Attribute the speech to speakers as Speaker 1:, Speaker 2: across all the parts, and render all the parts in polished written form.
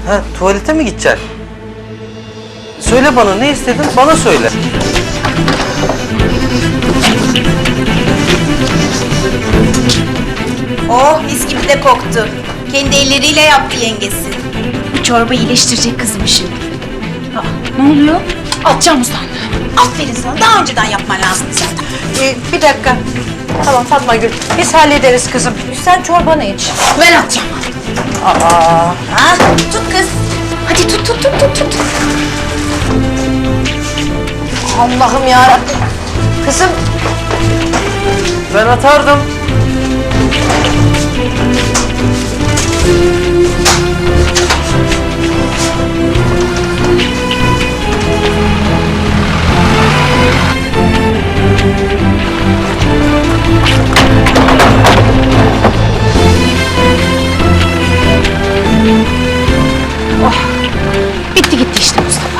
Speaker 1: Ha, tuvalete mi gideceksin? Söyle bana, ne istedin? Bana söyle.
Speaker 2: Oh, mis gibi de koktu. Kendi elleriyle yaptı yengesi.
Speaker 3: Bu çorba iyileştirecek kızım şimdi. Ne oluyor? Atacağım usandı.
Speaker 2: Aferin sana, daha önceden yapman lazım zaten.
Speaker 4: Bir dakika. Tamam Fatma Gül, biz hallederiz kızım. Sen çorbanı iç.
Speaker 3: Ben atacağım.
Speaker 2: Ha, tut kız.
Speaker 3: Hadi tut.
Speaker 4: Allah'ım yarabbim. Kızım,
Speaker 1: Ben atardım.
Speaker 3: Bitti gitti işte Mustafa.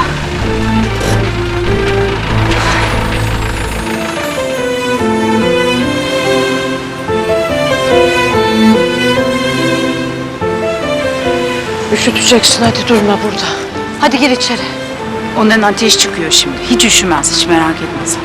Speaker 4: üşüteceksin, hadi durma burada. Hadi gir içeri.
Speaker 3: Ondan ateş çıkıyor şimdi. Hiç üşümez, hiç merak etme sen.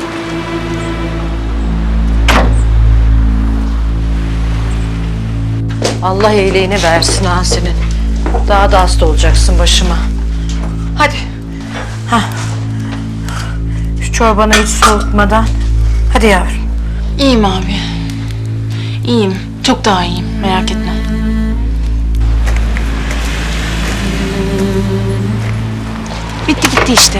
Speaker 4: Allah iyiliğini versin ha senin. Daha da hasta olacaksın başıma. Hadi. Hah. Şu çorbanı hiç soğutmadan. Hadi yavrum.
Speaker 3: İyiyim abi. İyiyim. Çok daha iyiyim. Merak etme. Bitti gitti işte.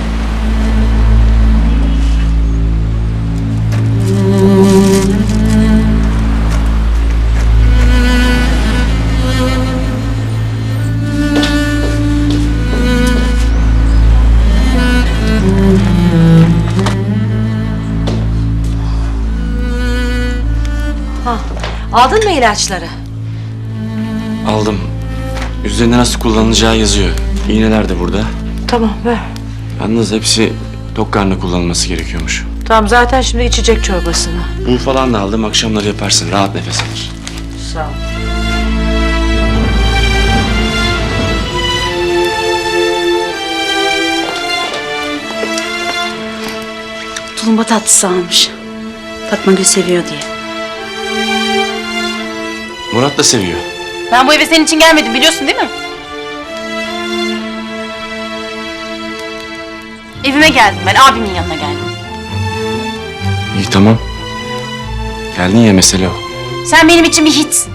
Speaker 4: Aldın mı ilaçları?
Speaker 5: Aldım. Üzerinde nasıl kullanılacağı yazıyor. İğneler de burada.
Speaker 4: Tamam ver.
Speaker 5: Yalnız hepsi tok karnına kullanılması gerekiyormuş.
Speaker 4: Tamam zaten şimdi içecek çorbasını.
Speaker 5: Un falan da aldım. Akşamları yaparsın. Rahat nefes alır.
Speaker 4: Sağ ol.
Speaker 3: Tulumba tatlısı almış. Fatma Gül seviyor diye.
Speaker 5: Murat da seviyor.
Speaker 3: Ben bu eve senin için gelmedim biliyorsun değil mi? Evime geldim ben, abimin yanına geldim.
Speaker 5: İyi tamam. Geldin ya, mesele o.
Speaker 3: Sen benim için bir hiçsin.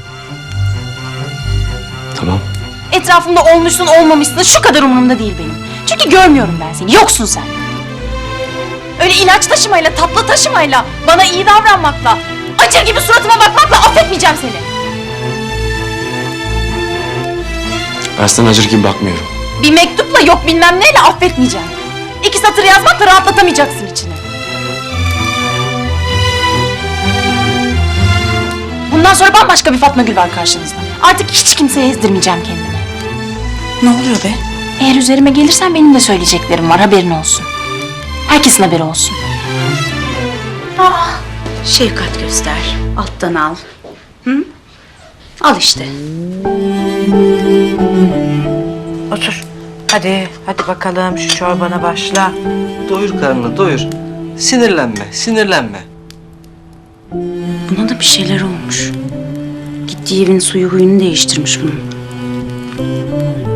Speaker 5: Tamam.
Speaker 3: Etrafımda olmuşsun olmamışsın şu kadar umurumda değil benim. Çünkü görmüyorum ben seni, yoksun sen. Öyle ilaç taşımayla, tatlı taşımayla, bana iyi davranmakla, acır gibi suratıma bakmakla affetmeyeceğim seni.
Speaker 5: Ben sana acır gibi bakmıyorum.
Speaker 3: Bir mektupla yok bilmem neyle affetmeyeceğim. 2 satır yazmakla rahatlatamayacaksın içini. Bundan sonra bambaşka bir Fatma Gül var karşınızda. Artık hiç kimseye ezdirmeyeceğim kendimi.
Speaker 2: Ne oluyor be?
Speaker 3: Eğer üzerime gelirsen benim de söyleyeceklerim var, haberin olsun. Herkesin haberi olsun. Şefkat göster, alttan al. Hı? Al işte.
Speaker 4: Otur. Hadi bakalım şu çorbana başla.
Speaker 1: Doyur karnını, doyur. Sinirlenme.
Speaker 3: Buna da bir şeyler olmuş. Gittiği evin suyu huyunu değiştirmiş bunun.